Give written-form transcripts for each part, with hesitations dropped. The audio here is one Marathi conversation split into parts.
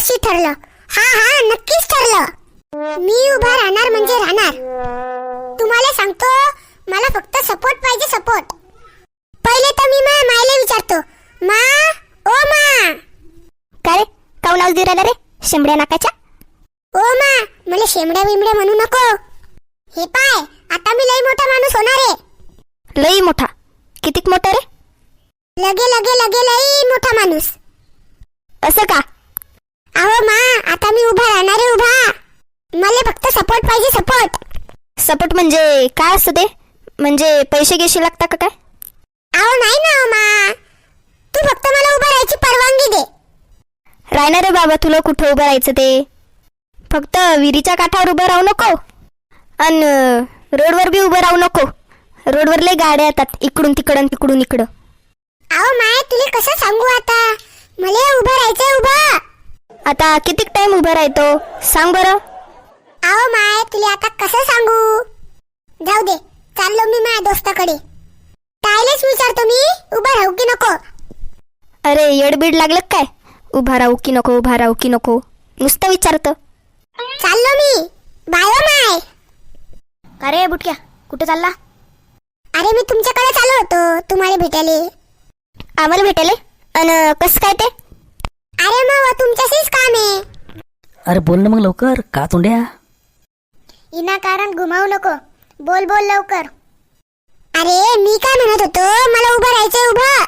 वर्षी ठरलं. हा नक्कीच ठरलं. मी उभा राहणार म्हणजे राहणार. तुम्हाला सांगतो, मला फक्त सपोर्ट पाहिजे, सपोर्ट. पहिले तर मी मायला विचारतो, मा ओ मा. काय रे, काऊन आवाज देऊ राहिला रे शेंबड्या नाकाच्या? ओ मा, मला शेमड्या बिमड्या म्हणू नको. हे पाय, आता मी लई मोठा माणूस होणार आहे. लई मोठा? कितीक मोठा रे? लगे लगे लगे लई मोठा माणूस. असं का? अहो मा, आता मी उभा राहणार आहे, उभा. मला फक्त सपोर्ट पाहिजे, सपोर्ट. सपोर्ट म्हणजे काय असतं ते? म्हणजे पैसे घेशी लागता का काय? अहो नाही ना मा, तू फक्त मला उभा राहायची परवानगी दे. राहणार रे बाबा, तुला कुठं उभं राहायचं ते. फक्त विहिरीच्या काठावर उभं राहू नको आणि रोडवर बी उभं राहू नको. रोडवर लय गाड्या येतात, इकडून तिकडून तिकडून इकडं. अहो माय, तुला कसं सांगू आता, मला उभं राहायचंय, उभा. आता कितीक टाइम उभं राहतो सांग बरं. अहो माय, तुला आता कसं सांगू. जाऊ दे, चाललो मी माझ्या दोस्ताकडे. त्यालाच विचारतो मी, उभा राहू की नको. अरे येडबीड लागलं काय? उभा राहू की नको, उभा राहू की नको नुसतं विचारतं. चाललो मी, बाय ओ माय. अरे बुटक्या, कुठे चालला? अरे मी तुमच्याकडे चाललो होतो, तुम्हाला भेटायला. आम्हाला भेटायला? आणि कसं काय ते? अरे मग तुमच्याशीच काम आहे. अरे बोल ना मग लवकर, का तोंड्या? विनाकारण घुमावू नको, बोल बोल लवकर. अरे मी काय म्हणत होतो, मला उभं राहायचंय, उभं.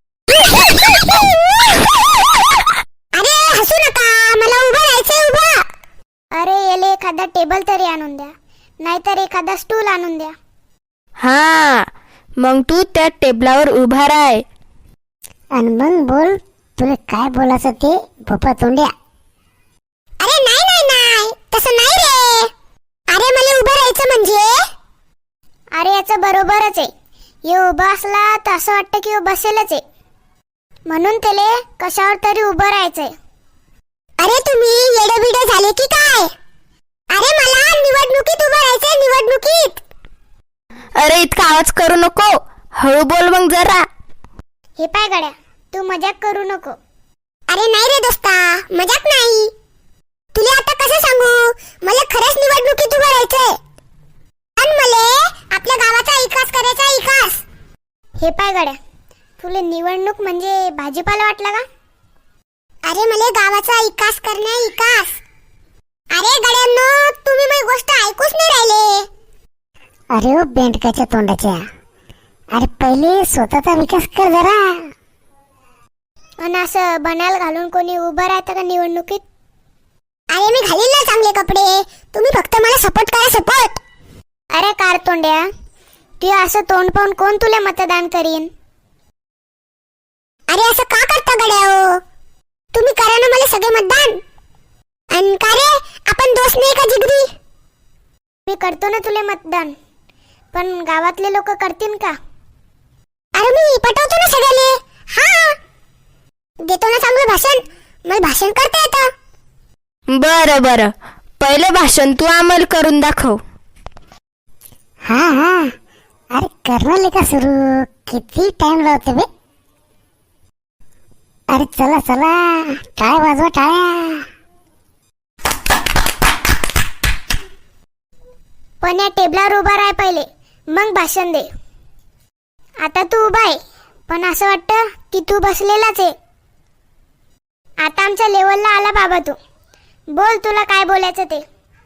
अरे हसू नका, मला उभं राहायचंय, उभं. अरे याले एखादा टेबल तरी आणून द्या, नाहीतर एखादा स्टूल आणून द्या. हा, मग तू त्या टेबलावर उभा राह आणि मग बोल, तुला काय बोलायचं ते, भोपा तोंड्या. अरे नाही नाही नाही, तसं नाही रे. अरे मला उभं राहायचं म्हणजे. अरे याचं बरोबरच आहे. हे उभा असला तर असं वाटतं की बसेलच आहे, म्हणून त्याले कशावर तरी उभं राहायचंय. अरे तुम्ही येडेबिडे झाले की काय? अरे मला निवडणुकीत उभं राहायचंय, निवडणुकीत. अरे इतका आवाज करू नको, हळू बोल मग जरा. हे पाय गड्या, तू मजाक करू नको. अरे नाही रे दोस्ता, मजाक नाही. तुला आता कसं सांगू, मला खरंच निवडणुकीत उभं राहायचंय. आणि मला आपल्या गावाचा विकास करायचा, विकास. हे पाय गड्या, तुला निवडणूक म्हणजे भाजीपाला वाटला का? अरे मला गावाचा विकास करणे, विकास. अरे गड्यांनो, तुम्ही माझी गोष्ट ऐकूच नाही राहिले. अरे ओ बेंडकाच्या तोंडाच्या, अरे पहिले स्वतःचा विकास कर जरा. आणि असं बनायला घालून कोणी उभं राहतं का निवडणुकीत? अरे मी घालील ना चांगले कपडे, तुम्ही फक्त मला सपोर्ट करा, सपोर्ट. अरे कार तोंड्या, तू असं तोंड पाहून कोण तुला मतदान करीन? अरे असं का करता गड्या? तुम्ही करा ना मला सगळे मतदान. आणि का रे, आपण दोस्त नाही का जिगरी? मी करतो ना तुला मतदान, पण गावातले लोक करतील का? अरे मी पटवतो ना सगळ्याले. हा, देतो ना चांगलं भाषण, मला भाषण करता येतं. बरं बरं, पहिलं भाषण तू आम्हाला करून दाखव. हा, अरे करणार का सुरू, किती टाइम लावते बे. अरे चला चला, टाळ्या वाजवा, टाळ्या. पण या टेबलावर उभा राह पहिले, मग भाषण दे. आता तू उभा आहे, पण असं वाटतं की तू बसलेलाच आहे. आता आमच्या लेवलला आला बाबा तू. बोल, तुला काय बोलायचं ते.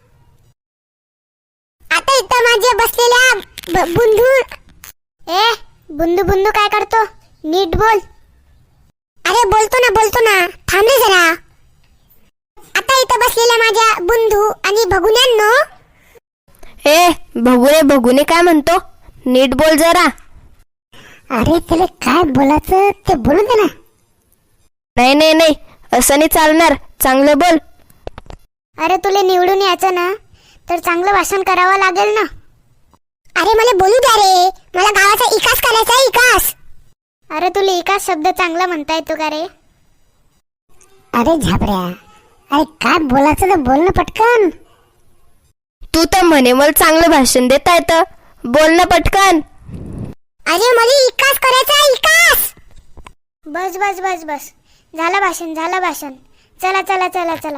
आता इथं माझ्या बसलेल्या बुंदू. ए बुंदू बुंदू काय करतो, नीट बोल. अरे बोलतो ना, थांब रे जरा. आता इथं बसलेल्या माझ्या बुंदू आणि भगुन्यांनो. ए भगुने काय म्हणतो, नीट बोल जरा. अरे तुला काय बोलायचं ते बोलू दे ना. नाही, असं नाही चालणार, चांगलं बोल. अरे तुला निवडून यायचं ना, तर चांगलं भाषण करावं लागेल ना. अरे मला बोलू द्या रे, मला गावाचा विकास करायचा, विकास. अरे तुला विकास शब्द चांगला म्हणता येतो का रे? अरे झापड्या, अरे काय बोलायचं तर बोल ना पटकन. तू तर म्हणे मला चांगलं भाषण देता येतं, बोल ना पटकन. अरे मला विकास करायचा, विकास. बस बस बस बस, झालं भाषण. चला चला चला चला.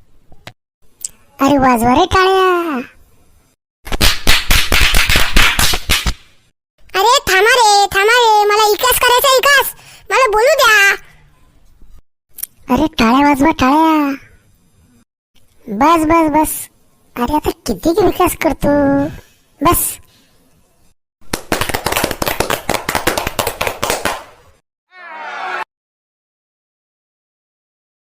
अरे वाजवा रे टाळ्या. अरे थांबा रे मला इकास करायचा इकास. मला बोलू द्या. अरे टाळ्या वाजवा टाळ्या. बस बस बस. अरे आता किती विकास करतो. बस.